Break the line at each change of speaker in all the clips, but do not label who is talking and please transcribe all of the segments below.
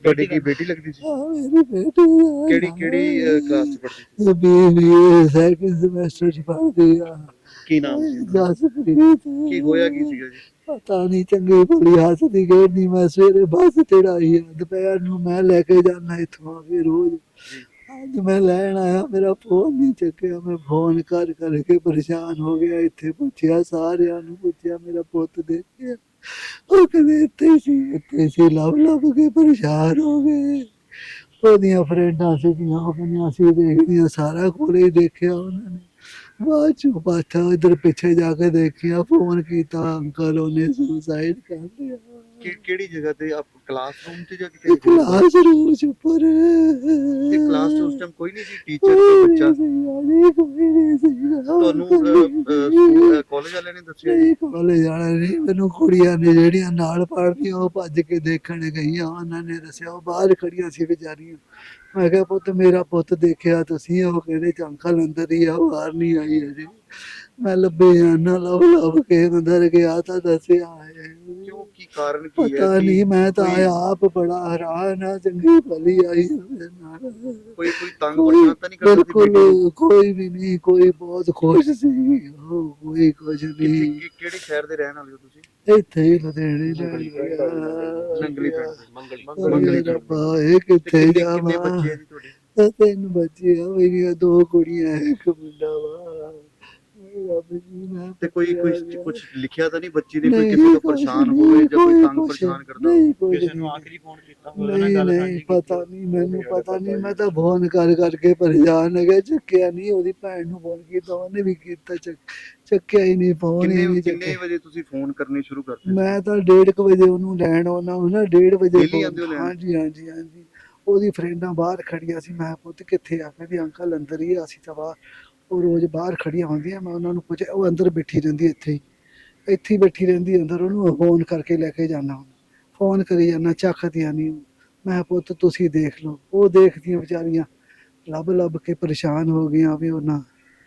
ਤੁਹਾਡੀ ਕੀ ਬੇਟੀ ਲੱਗਦੀ ਸੀ?
हाँ मेरी बेटी है।
ਕਿਹੜੀ ਕਲਾਸ ਚ ਪੜ੍ਹਦੀ ਸੀ?
ये BBA सेकंड सेमेस्टर च पढ़ दिया।
ਕੀ ਨਾਮ ਸੀ ਉਹਨਾਂ ਦਾ?
जसप्रीत
ਕੀ ਹੋਇਆ ਕੀ ਸੀਗਾ ਜੀ?
पता नहीं चंगी भली हसदी खेड़नी मैं सवेरे बस चढ़ाई है दोपहर नूं मैं लैके जाना इत्थों फिर रोज
जी।
अज मैं लैन आया मेरा फोन नहीं चुकया मैं फोन कर करके परेशान हो गया इत्थे पुछया सारियां नूं पुछया मेरा पुत्त देखिया ਉਹ ਕਹਿੰਦੇ ਇੱਥੇ ਸੀ ਲੱਭ ਕੇ ਪਰੇਸ਼ਾਨ ਹੋ ਗਏ। ਉਹਦੀਆਂ ਫਰੈਂਡਾਂ ਸੀਗੀਆਂ ਉਹ ਕਹਿੰਦੀਆਂ ਅਸੀਂ ਦੇਖਦੀਆਂ ਸਾਰਾ ਕੋਲੇ ਹੀ ਦੇਖਿਆ ਉਹਨਾਂ ਨੇ। ਬਾਅਦ ਚੋਂ ਪਾਛਾ ਇੱਧਰ ਪਿੱਛੇ ਜਾ ਕੇ ਦੇਖਿਆ ਫੋਨ ਕੀਤਾ ਅੰਕਲ ਉਹਨੇ ਸੁਸਾਈਡ ਕਰ ਲਿਆ।
ਕਿਹੜੀ ਜਗ੍ਹਾ ਤੇ ਆਪ ਕਲਾਸਰੂਮ ਤੇ ਜਾਂ ਕਿਤੇ?
ਕਲਾਸ ਰੂਮ ਚ ਉੱਪਰ
ਤੇ ਕਲਾਸ ਚ ਉਸ ਟਾਈਮ ਕੋਈ ਨਹੀਂ ਸੀ? ਟੀਚਰ ਕੋਈ ਬੱਚਾ?
ਕੋਈ ਨਹੀਂ ਸੀਗਾ।
ਤੁਹਾਨੂੰ ਸਕੂਲ ਕਾਲਜ ਵਾਲਿਆਂ ਨੇ ਦੱਸਿਆ ਜੀ?
ਕਾਲਜ ਵਾਲਿਆਂ ਨੇ ਮੈਨੂੰ ਕੁੜੀਆਂ ਨੇ ਜਿਹੜੀਆਂ ਨਾਲ ਪੜ੍ਹਦੀਆਂ ਉਹ ਭੱਜ ਕੇ ਦੇਖਣ ਗਈਆਂ ਉਹਨਾਂ ਨੇ ਦੱਸਿਆ ਉਹ ਬਾਹਰ ਖੜੀਆਂ ਸੀ ਵਿਚਾਰੀਆਂ। ਮੈਂ ਕਿਹਾ ਪੁੱਤ ਮੇਰਾ ਪੁੱਤ ਦੇਖਿਆ ਤੁਸੀਂ? ਉਹ ਕਹਿੰਦੇ ਅੰਕਲ ਅੰਦਰ ਹੀ ਆ ਬਾਹਰ ਨਹੀਂ ਆਈ ਅਜੇ। ਮੈਂ ਲੱਭੇ ਜਾਣਾ ਲੱਭ ਕੇ ਅੰਦਰ ਗਿਆ ਤਾਂ ਦੱਸਿਆ ਹੈ।
ਕਿਉਂ ਕੀ ਕਾਰਨ ਕੀ ਹੈ?
ਪਤਾ ਨਹੀਂ ਮੈਂ ਤਾਂ ਆਪ ਬੜਾ ਹੈਰਾਨ ਆ ਚੰਗੀ ਭਲੀ ਆਈ ਉਹਦੇ ਨਾਲ।
ਕੋਈ ਤੰਗ ਪਰੇਸ਼ਾਨ ਤਾਂ ਨਹੀਂ ਕਰਦਾ ਸੀ?
ਬਿਲਕੁਲ ਕੋਈ ਵੀ ਨਹੀਂ ਕੋਈ ਬਹੁਤ ਖੁਸ਼ ਸੀ ਉਹ ਕੋਈ ਕੁਝ ਨਹੀਂ।
ਕਿਹੜੇ ਸ਼ਹਿਰ ਦੇ ਰਹਿਣ ਵਾਲੇ ਹੋ ਤੁਸੀਂ?
ਇੱਥੇ ਹੀ ਲੁਧਿਆਣੇ
ਨੰਗਲੀ
ਮੰਗਲੀ ਰੱਬਾ ਇਹ ਕਿੱਥੇ ਜਾਵਾਂ।
ਕਿੰਨੇ ਬੱਚੇ ਆ ਜੀ ਤੁਹਾਡੇ?
3 ਬੱਚੇ ਆ ਮੇਰੀਆਂ 2 ਕੁੜੀਆਂ 1 ਮੁੰਡਾ ਵਾ। ਰੱਬ ਜੀ ਮੈਂ
ਤੇ ਕੋਈ ਕੁਝ ਲਿਖਿਆ ਤਾਂ ਨਹੀਂ ਬੱਚੀ ਨੇ? ਕੋਈ ਕਿਸੇ ਤੋਂ ਪਰੇਸ਼ਾਨ ਹੋਵੇ ਜਾਂ ਕੋਈ ਤੰਗ ਪਰੇਸ਼ਾਨ ਕਰਦਾ ਹੋਵੇ?
ਕਿਸੇ ਨੂੰ ਆਖਰੀ ਫੋਨ ਕੀਤਾ ਹੋਵੇ? ਨਹੀਂ ਪਤਾ ਨਹੀਂ ਮੈਨੂੰ ਪਤਾ ਨਹੀਂ। ਮੈਂ ਤਾਂ ਫੋਨ ਕਰ ਕਰਕੇ ਪਰੇਸ਼ਾਨ ਹੋ ਗਿਆ ਚੱਕਿਆ ਨਹੀਂ। ਉਹਦੀ ਭੈਣ ਨੂੰ ਫੋਨ ਕੀਤਾ ਉਹਨੇ ਵੀ ਕੀਤਾ ਚੱਕਿਆ ਹੀ ਨਹੀਂ ਫੋਨ ਹੀ ਨਹੀਂ।
ਕਿੰਨੇ ਵਜੇ ਤੁਸੀਂ ਫੋਨ ਕਰਨੇ ਸ਼ੁਰੂ ਕਰਦੇ?
ਮੈਂ ਤਾਂ 1:30 ਵਜੇ ਉਹਨੂੰ ਲੈਣ ਆਉਣਾ ਉਹਨਾਂ 1:30 ਵਜੇ।
ਡੇਲੀ ਆਉਂਦੇ ਹੋ ਲੈਣ?
ਹਾਂਜੀ ਹਾਂਜੀ ਹਾਂਜੀ। ਉਹਦੀ ਫਰੈਂਡਾਂ ਬਾਹਰ ਖੜੀਆਂ ਸੀ। ਮੈਂ ਪੁੱਤ ਕਿੱਥੇ ਆ? ਕਹਿੰਦੀ ਅੰਕਲ ਅੰਦਰ ਹੀ ਆ ਅਸੀਂ ਤਾਂ ਬਾਹਰ। ਉਹ ਰੋਜ਼ ਬਾਹਰ ਖੜੀਆਂ ਹੁੰਦੀਆਂ ਮੈਂ ਉਹਨਾਂ ਨੂੰ ਪੁੱਛਿਆ ਉਹ ਅੰਦਰ ਬੈਠੀ ਰਹਿੰਦੀ ਇੱਥੇ ਹੀ ਬੈਠੀ ਰਹਿੰਦੀ ਅੰਦਰ। ਉਹਨੂੰ ਫੋਨ ਕਰਕੇ ਲੈ ਕੇ ਜਾਣਾ ਫੋਨ ਕਰੀ ਜਾਣਾ ਚੱਕਦੀਆਂ ਨਹੀਂ। ਮੈਂ ਪੁੱਤ ਤੁਸੀਂ ਦੇਖ ਲਓ। ਉਹ ਦੇਖਦੀਆਂ ਵਿਚਾਰੀਆਂ ਲੱਭ ਕੇ ਪਰੇਸ਼ਾਨ ਹੋ ਗਈਆਂ ਵੀ ਉਹਨਾਂ।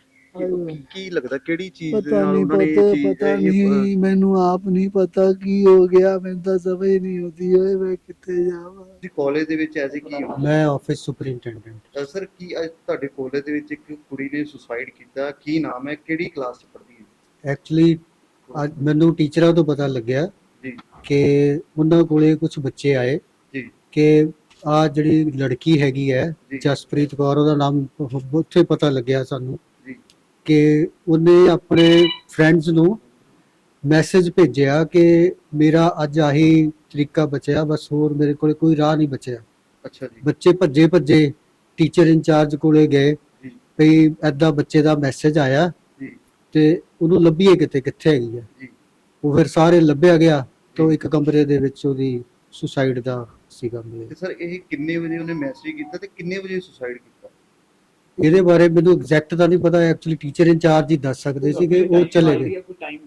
ਕੀ ਲੱਗਦਾ ਕਿਹੜੀ ਚੀਜ਼
ਪਤਾ
ਨਾਲ
ਨਹੀਂ
ਉਹਨਾਂ ਨੇ
ਪਤਾ ਨਹੀਂ ਮੈਨੂੰ ਆਪ ਨਹੀਂ ਪਤਾ ਕੀ ਹੋ ਗਿਆ। ਮੈਨੂੰ ਤਾਂ ਸਮਝ ਨਹੀਂ ਆਉਂਦੀ ਓਏ ਮੈਂ ਕਿੱਥੇ ਜਾਵਾਂ।
ਜੀ ਕਾਲਜ ਦੇ ਵਿੱਚ ਐਸੇ ਕੀ ਹੋ?
ਮੈਂ ਆਫਿਸ ਸੁਪਰਿੰਟੈਂਡੈਂਟ।
ਸਰ ਕੀ ਅੱਜ ਤੁਹਾਡੇ ਕਾਲਜ ਦੇ ਵਿੱਚ ਇੱਕ ਕੁੜੀ ਨੇ ਸੁਸਾਈਡ ਕੀਤਾ, ਕੀ ਨਾਮ ਹੈ, ਕਿਹੜੀ ਕਲਾਸ ਚ ਪੜ੍ਹਦੀ ਹੈ?
ਐਕਚੁਅਲੀ ਅੱਜ ਮੈਨੂੰ ਟੀਚਰਾਂ ਤੋਂ ਪਤਾ ਲੱਗਿਆ
ਜੀ
ਕਿ ਉਹਨਾਂ ਕੋਲੇ ਕੁਝ ਬੱਚੇ ਆਏ
ਜੀ
ਕਿ ਆ ਜਿਹੜੀ ਲੜਕੀ ਹੈਗੀ ਹੈ
ਜੀ।
ਜਸਪ੍ਰੀਤ ਕੌਰ ਉਹਦਾ ਨਾਮ ਉੱਥੇ ਪਤਾ ਲੱਗਿਆ ਸਾਨੂੰ
ਜੀ
ਕਿ ਉਹਨੇ ਆਪਣੇ ਫਰੈਂਡਸ ਨੂੰ ਮੈਸੇਜ ਭੇਜਿਆ ਕਿ ਮੇਰਾ ਅੱਜ ਆਹੀ ਤਰੀਕਾ ਬਚਿਆ ਬਸ ਹੋਰ ਮੇਰੇ ਕੋਲੇ ਕੋਈ ਰਾਹ ਨਹੀਂ ਬਚਿਆ।
ਅੱਛਾ ਜੀ।
ਬੱਚੇ ਭੱਜੇ ਟੀਚਰ ਇੰਚਾਰਜ ਕੋਲੇ ਗਏ
ਜੀ
ਵੀ ਐਦਾਂ ਬੱਚੇ ਦਾ ਮੈਸੇਜ ਆਇਆ
ਜੀ
ਤੇ ਉਹਨੂੰ ਲੱਭੀਏ ਕਿੱਥੇ ਹੈਗੀ ਆ।
ਜੀ
ਉਹ ਫਿਰ ਸਾਰੇ ਲੱਭਿਆ ਗਿਆ ਤਾਂ ਇੱਕ ਕਮਰੇ ਦੇ ਵਿੱਚ ਉਹਦੀ ਸੁਸਾਈਡ ਦਾ ਸੀਗਾ ਮਿਲਿਆ।
ਤੇ ਸਰ ਇਹ ਕਿੰਨੇ ਵਜੇ ਉਹਨੇ ਮੈਸੇਜ ਕੀਤਾ ਤੇ ਕਿੰਨੇ ਵਜੇ ਸੁਸਾਈਡ ਕੀਤਾ?
ਇਹਦੇ ਬਾਰੇ ਮੈਨੂੰ ਐਗਜ਼ੈਕਟ ਤਾਂ ਨਹੀਂ ਪਤਾ। ਐਕਚੁਅਲੀ ਟੀਚਰ ਇੰਚਾਰਜ ਹੀ ਦੱਸ ਸਕਦੇ ਸੀ ਕਿ ਉਹ ਚਲੇ ਗਏ।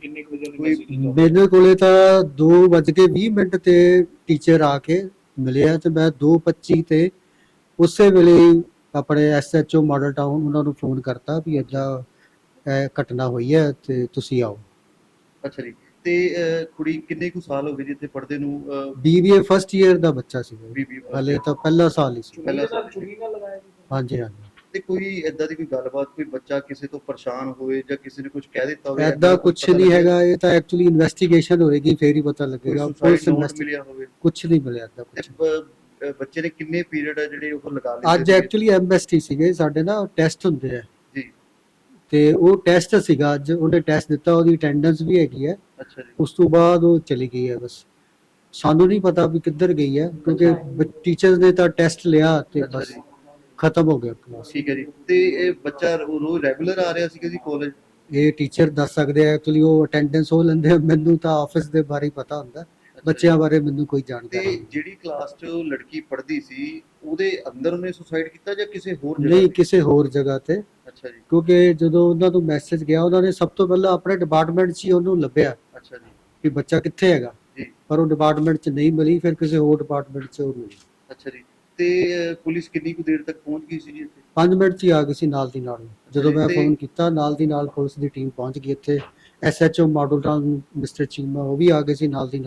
ਮੇਰੇ ਕੋਲੇ ਤਾਂ 2:20 ਤੇ ਟੀਚਰ ਆ ਕੇ ਮਿਲਿਆ ਤੇ ਮੈਂ 2:25 ਤੇ ਉਸੇ ਵੇਲੇ ਆਪਣੇ SHO ਮਾਡਲ ਟਾਊਨ ਉਹਨਾਂ ਨੂੰ ਫੋਨ ਕਰਤਾ ਵੀ ਏਦਾਂ ਘਟਨਾ ਹੋਈ ਹੈ ਤੇ ਤੁਸੀਂ ਆਓ।
ਅੱਛਾ ਜੀ। ਤੇ ਕੁੜੀ ਕਿੰਨੇ ਕੁ ਸਾਲ ਹੋ ਗਏ ਜੀ ਇੱਥੇ ਪੜ੍ਹਦੇ ਨੂੰ?
BBA ਫਸਟ ਈਅਰ ਦਾ ਬੱਚਾ ਸੀ।
BBA
ਹਲੇ ਤਾਂ ਪਹਿਲਾ ਸਾਲ ਹੀ ਸੀ।
ਪਹਿਲਾ ਸਾਲ।
ਹਾਂਜੀ ਹਾਂਜੀ।
ਤੇ ਕੋਈ ਏਦਾਂ ਦੀ ਕੋਈ ਗੱਲਬਾਤ, ਕੋਈ ਬੱਚਾ ਕਿਸੇ ਤੋਂ ਪਰੇਸ਼ਾਨ ਹੋਵੇ ਜਾਂ ਕਿਸੇ ਨੇ ਕੁਝ ਕਹਿ ਦਿੱਤਾ ਹੋਵੇ?
ਏਦਾਂ ਕੁਝ ਨਹੀਂ ਹੈਗਾ। ਇਹ ਤਾਂ ਐਕਚੁਅਲੀ ਇਨਵੈਸਟੀਗੇਸ਼ਨ ਹੋਏਗੀ ਫੇਰ ਹੀ ਪਤਾ ਲੱਗੇਗਾ।
ਪੁਲਿਸ ਮਿਲਿਆ ਹੋਵੇ?
ਕੁਝ ਨਹੀਂ ਮਿਲਿਆ ਏਦਾਂ ਕੁਝ।
ਬੱਚੇ ਨੇ ਕਿੰਨੇ ਪੀਰੀਅਡ ਆ ਜਿਹੜੇ ਉਹ ਲਗਾ ਲਏ?
ਅੱਜ ਐਕਚੁਅਲੀ MST ਸੀਗੇ ਸਾਡੇ ਨਾ ਟੈਸਟ ਹੁੰਦੇ ਆ
ਜੀ
ਤੇ ਉਹ ਟੈਸਟ ਸੀਗਾ ਅੱਜ। ਉਹਨੇ ਟੈਸਟ ਦਿੱਤਾ ਉਹਦੀ ਅਟੈਂਡੈਂਸ ਵੀ ਹੈਗੀ ਹੈ।
ਅੱਛਾ ਜੀ।
ਉਸ ਤੋਂ ਬਾਅਦ ਉਹ ਚਲੀ ਗਈ ਹੈ। ਬਸ ਸਾਨੂੰ ਨਹੀਂ ਪਤਾ ਵੀ ਕਿੱਧਰ ਗਈ ਹੈ ਕਿਉਂਕਿ ਟੀਚਰਸ ਨੇ ਤਾਂ ਟੈਸਟ ਲਿਆ ਤੇ ਬਸ ਖਤਮ ਹੋ ਗਿਆ ਕਲਾਸ।
ਠੀਕ ਹੈ ਜੀ। ਤੇ ਇਹ ਬੱਚਾ ਰੋਜ਼ ਰੈਗੂਲਰ ਆ ਰਿਹਾ ਸੀਗਾ ਜੀ ਕਾਲਜ?
ਇਹ ਟੀਚਰ ਦੱਸ ਸਕਦੇ ਆ। ਐਕਚੁਅਲੀ ਉਹ ਅਟੈਂਡੈਂਸ ਉਹ ਲੈਂਦੇ ਆ। ਮੈਨੂੰ ਤਾਂ ਆਫਿਸ ਦੇ ਬਾਰੇ ਪਤਾ ਹੁੰਦਾ, ਬੱਚਿਆਂ ਬਾਰੇ ਮੈਨੂੰ ਕੋਈ ਜਾਣਕਾਰੀ
ਤੇ
ਨਹੀਂ।
ਜਿਹੜੀ ਕਲਾਸ 'ਚ ਉਹ ਲੜਕੀ ਪੜ੍ਹਦੀ ਸੀ ਉਹਦੇ ਅੰਦਰ ਉਹਨੇ ਸੁਸਾਈਡ ਕੀਤਾ ਜਾਂ ਕਿਸੇ ਹੋਰ ਜਗ੍ਹਾ?
ਨਹੀਂ ਕਿਸੇ ਹੋਰ ਜਗ੍ਹਾ ਤੇ।
ਅੱਛਾ ਜੀ।
ਕਿਉਂਕਿ ਜਦੋਂ ਉਹਨਾਂ ਨੂੰ ਮੈਸੇਜ ਗਿਆ ਉਹਨਾਂ ਨੇ ਸਭ ਤੋਂ ਪਹਿਲਾਂ ਆਪਣੇ ਡਿਪਾਰਟਮੈਂਟ 'ਚ ਹੀ ਉਹਨੂੰ ਲੱਭਿਆ
ਅੱਛਾ ਜੀ
ਕਿ ਬੱਚਾ ਕਿੱਥੇ ਹੈਗਾ
ਜੀ।
ਪਰ ਉਹ ਡਿਪਾਰਟਮੈਂਟ 'ਚ ਨਹੀਂ ਮਿਲੀ। ਫਿਰ ਕਿਸੇ ਹੋਰ ਡਿਪਾਰਟਮੈਂਟ 'ਚ ਉਹ ਮਿਲੀ।
ਅੱਛਾ ਜੀ। ਤੇ ਪੁਲਿਸ ਕਿੰਨੀ ਕੁ ਦੇਰ ਤੱਕ ਪਹੁੰਚ ਗਈ ਸੀ ਜੀ ਇੱਥੇ?
5 ਮਿੰਟ 'ਚ ਹੀ ਆ ਗਈ ਸੀ ਨਾਲ ਦੀ ਨਾਲ। ਜਦੋਂ ਮੈਂ
ਤੇ
ਫੋਨ ਕੀਤਾ ਨਾਲ ਦੀ ਨਾਲ ਪੁਲਿਸ ਦੀ ਟੀਮ ਪਹੁੰਚ ਗਈ ਇੱਥੇ। SHO Model Town mister Cheema ਉਹ ਵੀ ਆ ਗਏ ਸੀ ਨਾਲ ਦੀ ਨਾਲ।
ਠੀਕ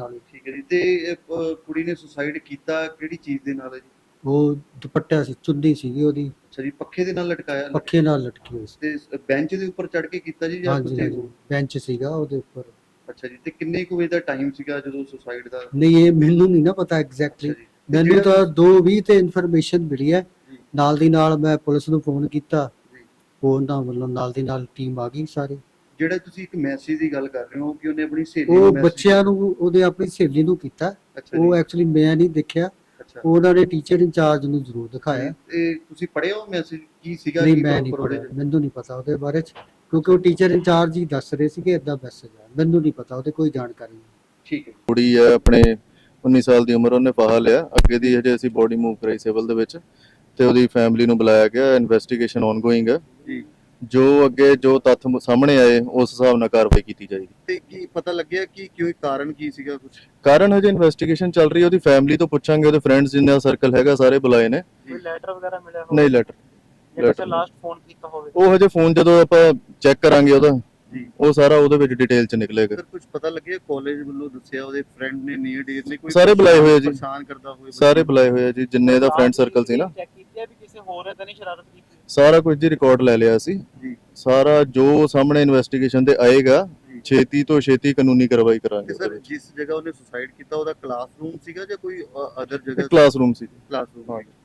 ਠੀਕ ਹੈ ਜੀ। ਤੇ ਕੁੜੀ ਨੇ ਸੁਸਾਈਡ ਕੀਤਾ ਕਿਹੜੀ ਚੀਜ਼ ਦੇ ਨਾਲ ਹੈ ਜੀ?
ਉਹ ਦੁਪੱਟਾ ਸੀ, ਚੁੰਨੀ ਸੀਗੀ ਉਹਦੀ,
ਅੱਛਾ ਜੀ, ਪੱਖੇ ਦੇ ਨਾਲ ਲਟਕਾਇਆ?
ਪੱਖੇ ਨਾਲ ਲਟਕੀ ਹੋਈ ਸੀ।
ਤੇ ਬੈਂਚ ਦੇ ਉੱਪਰ ਚੜ ਕੇ ਕੀਤਾ ਜੀ ਜਾਂ
ਹਾਂਜੀ
ਕਿਤੇ
ਹਾਂਜੀ,
ਹੋਰ?
ਬੈਂਚ ਸੀਗਾ ਉਹਦੇ ਉੱਪਰ।
ਅੱਛਾ ਜੀ, ਤੇ ਕਿੰਨੇ ਕੁ ਵਜੇ ਦਾ ਟਾਈਮ ਸੀਗਾ ਜਦੋਂ ਸੁਸਾਈਡ ਦਾ?
ਨਹੀਂ, ਇਹ ਮੈਨੂੰ ਨਹੀਂ ਨਾ ਪਤਾ ਐਗਜ਼ੈਕਟਲੀ।
ਅੱਛਾ ਜੀ, ਤੇ
ਮੈਨੂੰ
ਜਿਹੜਾ
ਤਾਂ 2:20 ਤੇ ਇਨਫੋਰਮੇਸ਼ਨ ਮਿਲੀ ਹੈ।
ਜੀ,
ਨਾਲ ਦੀ ਨਾਲ ਮੈਂ ਪੁਲਿਸ ਨੂੰ ਫੋਨ ਕੀਤਾ,
ਜੀ।
ਫੋਨ ਦਾ ਮਤਲਬ ਨਾਲ ਦੀ ਨਾਲ ਟੀਮ ਆ ਗਈ ਸਾਰੀ।
ਜਿਹੜਾ ਤੁਸੀਂ ਇੱਕ ਮੈਸੇਜ ਦੀ ਗੱਲ ਕਰ ਰਹੇ ਹੋ ਕਿ ਉਹਨੇ ਆਪਣੀ ਸਹੇਲੀ ਨੂੰ
ਉਹ
message
ਬੱਚਿਆਂ ਨੂੰ, ਉਹਦੇ ਆਪਣੀ ਸਹੇਲੀ ਨੂੰ ਕੀਤਾ।
ਅੱਛਾ
ਉਹ
ਜੀ,
ਐਕਚੁਅਲੀ ਮੈਂ ਨਹੀਂ ਦੇਖਿਆ,
ਅੱਛਾ।
ਉਹਨਾਂ ਨੇ ਟੀਚਰ ਇੰਚਾਰਜ ਨੂੰ ਜ਼ਰੂਰ ਦਿਖਾਇਆ।
ਤੇ ਤੁਸੀਂ ਪੜ੍ਹਿਆ ਉਹ ਮੈਸੇਜ ਕੀ ਸੀਗਾ?
ਨਹੀਂ,
ਕੀ
ਮੈਂ ਨਹੀਂ
proper ਉਹਦੇ
ਪੜਿਆ,
ਚ?
ਮੈਨੂੰ ਨਹੀਂ ਪਤਾ ਉਹਦੇ ਬਾਰੇ ਚ, ਕਿਉਂਕਿ ਉਹ ਟੀਚਰ ਇੰਚਾਰਜ ਹੀ ਦੱਸ ਰਹੇ ਸੀਗੇ ਇਦਾਂ ਮੈਸੇਜ ਆ। ਮੈਨੂੰ ਨਹੀਂ ਪਤਾ, ਉਹਦੇ ਕੋਈ ਜਾਣਕਾਰੀ ਨਹੀਂ।
ਠੀਕ ਹੈ।
ਕੁੜੀ ਹੈ ਆਪਣੇ 19 ਸਾਲ ਦੀ ਉਮਰ, ਉਹਨੇ ਫਾਹਾ ਲਿਆ। ਅੱਗੇ ਦੀ ਹਜੇ ਅਸੀਂ ਬੋਡੀ ਮੂਵ ਕਰਾਈ ਸਿਵਲ ਦੇ ਵਿੱਚ, ਤੇ ਉਹਦੀ ਫੈਮਿਲੀ ਨੂੰ ਬੁਲਾਇਆ ਗਿਆ। ਇਨਵੈਸਟੀਗੇਸ਼ਨ ਆਨਗੋਇੰਗ ਹੈ
ਜੀ।
ਜੋ ਅੱਗੇ ਜੋ ਤੱਥ ਸਾਹਮਣੇ ਆਏ ਉਸ ਹਿਸਾਬ ਨਾਲ ਕਾਰਵਾਈ ਕੀਤੀ ਜਾਏਗੀ।
ਤੇ ਕੀ ਪਤਾ ਲੱਗਿਆ ਕਿ ਕਿਉਂ, ਕਾਰਨ ਕੀ ਸੀਗਾ ਕੁਝ?
ਕਾਰਨ ਹਜੇ ਇਨਵੈਸਟੀਗੇਸ਼ਨ ਚੱਲ ਰਹੀ ਹੈ। ਉਹਦੀ ਫੈਮਿਲੀ ਤੋਂ ਪੁੱਛਾਂਗੇ, ਉਹਦੇ ਫਰੈਂਡਸ ਜਿੰਨਾ ਸਰਕਲ ਹੈਗਾ ਸਾਰੇ ਬੁਲਾਏ ਨੇ।
ਕੋਈ ਲੈਟਰ ਵਗੈਰਾ ਮਿਲਿਆ ਹੋਵੇ
ਨਹੀਂ ਲੈਟਰ,
ਜਾਂ ਕਿਸੇ ਲਾਸਟ ਫੋਨ ਕੀਤਾ ਹੋਵੇ?
ਉਹ ਹਜੇ ਫੋਨ ਜਦੋਂ ਆਪਾਂ ਚੈੱਕ ਕਰਾਂਗੇ ਉਹਦਾ,
ਜੀ।
ਉਹ ਸਾਰਾ ਉਹਦੇ ਵਿੱਚ ਡਿਟੇਲ ਚ ਨਿਕਲੇਗਾ।
ਸਰ ਕੁਝ ਪਤਾ ਲੱਗਿਆ ਕਾਲਜ ਵੱਲੋਂ ਦੱਸਿਆ ਉਹਦੇ ਫਰੈਂਡ ਨੇ ਨੀਅਰ ਡੀਅਰ ਨੇ ਕੋਈ
ਸਾਰੇ ਬੁਲਾਏ ਹੋਏ ਆ ਜੀ।
ਪਰੇਸ਼ਾਨ ਕਰਦਾ ਹੋਵੇ?
ਸਾਰੇ ਬੁਲਾਏ ਹੋਏ ਆ ਜੀ, ਜਿੰਨੇ ਦਾ ਫਰੈਂਡ ਸਰਕਲ ਸੀ ਨਾ,
ਚੈੱਕ ਕੀਤੀ ਹੈ ਵੀ ਕਿਸੇ ਹੋਰ ਨੇ ਤਾਂ ਨਹੀਂ ਸ਼ਰਾਰਤ ਕੀਤੀ?
ਸਾਰਾ ਕੁਝ ਜੀ ਰਿਕਾਰਡ ਲੈ ਲਿਆ ਸੀ।
ਜੀ।
ਸਾਰਾ ਜੋ ਸਾਹਮਣੇ ਇਨਵੈਸਟੀਗੇਸ਼ਨ ਤੇ ਆਏਗਾ,
ਜੀ।
ਛੇਤੀ ਤੋਂ ਛੇਤੀ ਕਾਨੂੰਨੀ ਕਾਰਵਾਈ ਕਰਾਂਗੇ
ਤੇ
ਉਹਦੇ
ਸਰ
ਵਿੱਚ।
ਜਿਸ ਜਗ੍ਹਾ ਉਹਨੇ ਸੁਸਾਈਡ ਕੀਤਾ ਉਹਦਾ ਕਲਾਸਰੂਮ ਸੀਗਾ ਜਾਂ ਕੋਈ ਅਦਰ ਜਗ੍ਹਾ?
ਕਲਾਸਰੂਮ ਸੀ।
ਕਲਾਸਰੂਮ
ਹਾਂ।
ਸੀਗਾ।